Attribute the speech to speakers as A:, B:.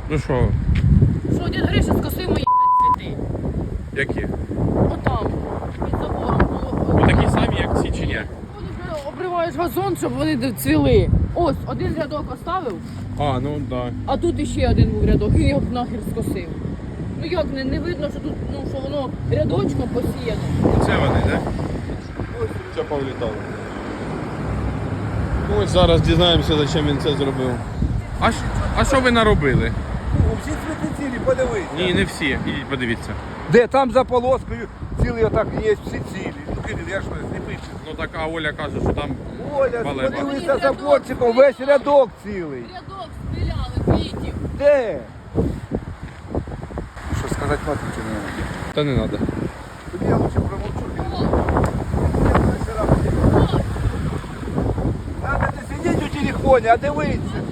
A: Ну що?
B: Що, дід Гриша скосив мої, блядь, цвіти.
A: Які?
B: Отам, під забором.
A: Ну такі самі, як ці чи ні?
B: Вони ж обриваєш газон, щоб вони цвіли. Ось, один рядок оставив,
A: А, ну да.
B: а тут іще один був рядок, він його нахер скосив. Ну як, не видно, що тут, ну, що воно рядочком посіяно.
A: Це вони, так? Ось це повлітало. Ну ось зараз дізнаємося, за чим він це зробив. А що ви наробили?
C: Всі цвіти цілі, подивись.
A: Ні, не всі. Ідіть подивіться.
C: Де там за полоскою цілі отак є, всі цілі. Ну, Кирил, я ж не пишу.
A: Ну так, а Оля каже, що там
C: Оля,
A: Балеба.
C: подивися за борчиком, весь рядок цілий.
B: Рядок стріляли, квітів.
C: Де? Що сказати матері не треба.
A: Та не треба.
C: Тобі я лучше промовчу. Надо не сидіти у телефоні, а дивитися.